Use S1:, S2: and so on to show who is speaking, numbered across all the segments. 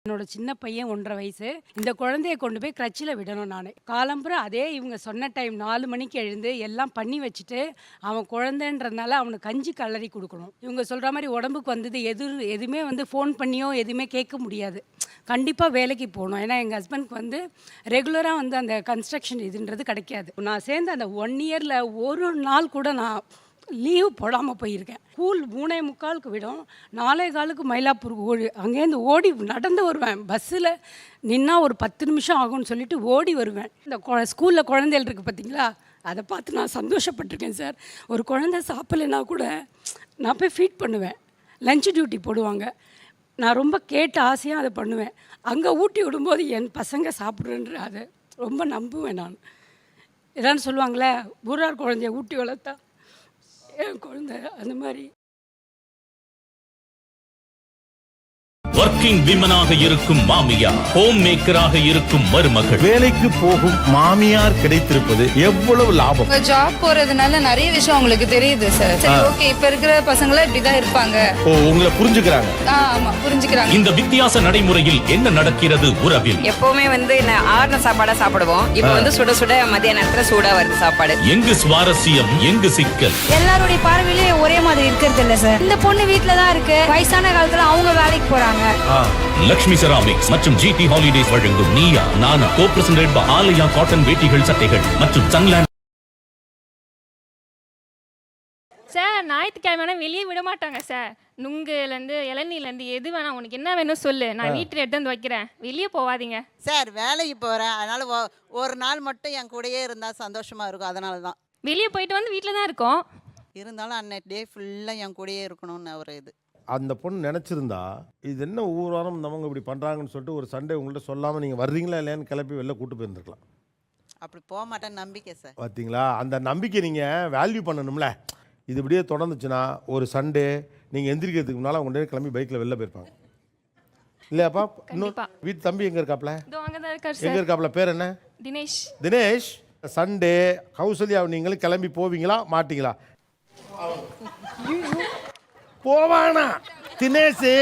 S1: என்னோட சின்ன பையன் 1.5 வயசு. இந்த குழந்தைய கொண்டு போய் கிரச்சில் விடணும் நானு. காலம்புறம் அதே இவங்க சொன்ன டைம் 4 மணிக்கு எழுந்து எல்லாம் பண்ணி வச்சுட்டு, அவன் குழந்தைன்றதுனால அவனுக்கு கஞ்சி கலரி கொடுக்கணும். இவங்க சொல்கிற மாதிரி உடம்புக்கு வந்தது எதுவுமே ஃபோன் பண்ணியோ எதுவுமே கேட்க முடியாது. கண்டிப்பாக வேலைக்கு போகணும். ஏன்னா எங்கள் ஹஸ்பண்ட்க்கு ரெகுலராக அந்த கன்ஸ்ட்ரக்ஷன் இதுன்றது கிடைக்காது. நான் சேர்ந்து அந்த 1 இயரில் ஒரு நாள் கூட நான் லீவ் போடாமல் போயிருக்கேன். ஸ்கூல் 3:45க்கு விடும், 4:15க்கு மயிலாப்பூருக்கு அங்கேருந்து ஓடி நடந்து வருவேன். பஸ்ஸில் நின்னா ஒரு 10 நிமிஷம் ஆகும்னு சொல்லிட்டு ஓடி வருவேன். இந்த ஸ்கூலில் குழந்தைகள் இருக்குது பார்த்தீங்களா, அதை பார்த்து நான் சந்தோஷப்பட்டிருக்கேன் சார். ஒரு குழந்தை சாப்பிட்லைன்னா கூட நான் போய் ஃபீட் பண்ணுவேன். லஞ்ச் டியூட்டி போடுவாங்க. நான் ரொம்ப கேட்டு ஆசையாக அதை பண்ணுவேன். அங்கே ஊட்டி விடும்போது என் பசங்க சாப்பிட்றேன்ற அதை ரொம்ப நம்புவேன் நான். எதான்னு சொல்லுவாங்களே, ஊரார் குழந்தைய ஊட்டி வளர்த்தா என் குழந்தை அந்த மாதிரி.
S2: ஒர்க்கிங் விமனாக இருக்கும் மாமியார், ஹோம் மேக்கராக இருக்கும் மருமகள்,
S3: வேலைக்கு போகும் மாமியார் கிடைத்திருப்பது எவ்வளவு லாபம்.
S4: ஜாப் போறதுனால நிறைய விஷயம் உங்களுக்கு தெரியுது சார். சரி, ஓகே, இப்ப இருக்கிற பசங்கள இப்படிதான் இருப்பாங்க.
S3: உங்களை புரிஞ்சுக்கிறாங்க.
S4: ஆமா, புரிஞ்சுக்கிறாங்க.
S2: இந்த வித்தியாச நடைமுறையில் என்ன நடக்கிறது உறவில்?
S5: எப்பவுமே ஆறுன சாப்பாடா சாப்பிடுவோம். இப்ப சுட சுட மதிய நேரத்துல சூடா வருது சாப்பாடு.
S2: எங்கு சுவாரஸ்யம், எங்கு சிக்கல்?
S6: எல்லாருடைய பார்வையிலே ஒரே மாதிரி இருக்கிறது இல்ல சார். இந்த பொண்ணு வீட்டுல தான் இருக்கு, வயசான காலத்துல அவங்க வேலைக்கு போறாங்க.
S2: லக்ஷ்மி செராமிக்ஸ் மற்றும் ஜிடி ஹாலிடேஸ் வழங்கும் நீயா நானா கோ-பிரசன்டட் பை ஆலயா காட்டன் வேட்டிகள், சட்டைகள் மற்றும் சன்லேண்ட்.
S7: சார், ஞாயிற்றுக்கிழமை வெளியே விட மாட்டாங்க சார். நுங்குலேருந்து இளநீர்லேருந்து எது வேணாம், உனக்கு என்ன வேணும் சொல்லு, நான் வீட்டில் எடுத்து வந்து வைக்கிறேன், வெளியே போகாதீங்க.
S8: சார், வேலைக்கு போகிறேன், அதனால் ஒரு நாள் மட்டும் என் கூடயே இருந்தால் சந்தோஷமாக இருக்கும். அதனால தான்
S7: வெளியே போயிட்டு வந்து வீட்டில் தான் இருக்கோம்.
S8: இருந்தாலும் அன்னைக்கு டே ஃபுல்லாக என் கூடயே இருக்கணும்னு ஒரு இது.
S3: அந்த பொண்ணு நினச்சிருந்தா இது என்ன ஒவ்வொரு வாரம் நமக்கு இப்படி பண்ணுறாங்கன்னு சொல்லிட்டு ஒரு சண்டே உங்கள்கிட்ட சொல்லாமல் நீங்கள் வர்றீங்களா இல்லையான்னு கிளப்பி வெளில கூட்டு போயிருந்துருக்கலாம்.
S8: அப்படி போக மாட்டேன் நம்பிக்கை சார்.
S3: பார்த்தீங்களா, அந்த நம்பிக்கை நீங்கள் வேல்யூ பண்ணணும்ல. இது இப்படியே தொடர்ந்துச்சுன்னா ஒரு சண்டே நீங்கள் எந்திரிக்கிறதுக்கு முன்னால் உங்கள்கிட்ட கிளம்பி பைக்கில் வெளில போயிருப்பாங்க இல்லையாப்பா? இன்னும் வீட்டு தம்பி எங்கே இருக்காப்ல? எங்கே இருக்காப்ல? பேர் என்ன?
S7: தினேஷ்.
S3: தினேஷ், சண்டே கௌசல்யா நீங்களும் கிளம்பி போவீங்களா மாட்டீங்களா? போவானா தினேஷ்?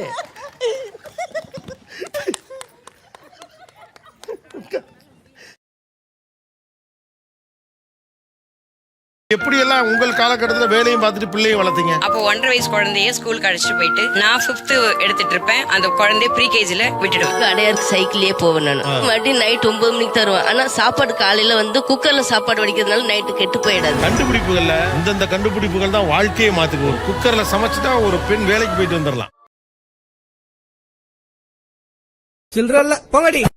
S3: எப்படியெல்லாம் உங்கள் காலகட்டத்தில் வேலையும் பார்த்துட்டு பிள்ளையும் வளர்த்தீங்க?
S5: அப்போ 1.5 வயசு குழந்தைய ஸ்கூலுக்கு அழைச்சிட்டு போயிட்டு நான் 5th எடுத்துட்டு இருப்பேன். அந்த குழந்தைய ப்ரீகேஜில விட்டுடுவேன்.
S9: அடையாருக்கு சைக்கிள்லயே போவேன் நான். மறுபடியும் நைட் 9 மணிக்கு தருவேன். ஆனா சாப்பாடு காலையில குக்கர்ல சாப்பாடு வடிக்கிறதுனால நைட்டு கெட்டு போயிடாது.
S3: கண்டுபிடிப்புகள்ல இந்த கண்டுபிடிப்புகள் தான் வாழ்க்கையை மாத்துக்கு. குக்கர்ல சமைச்சுட்டா ஒரு பெண் வேலைக்கு போயிட்டு வந்துடலாம்.
S10: சில்றல்ல போங்கடி.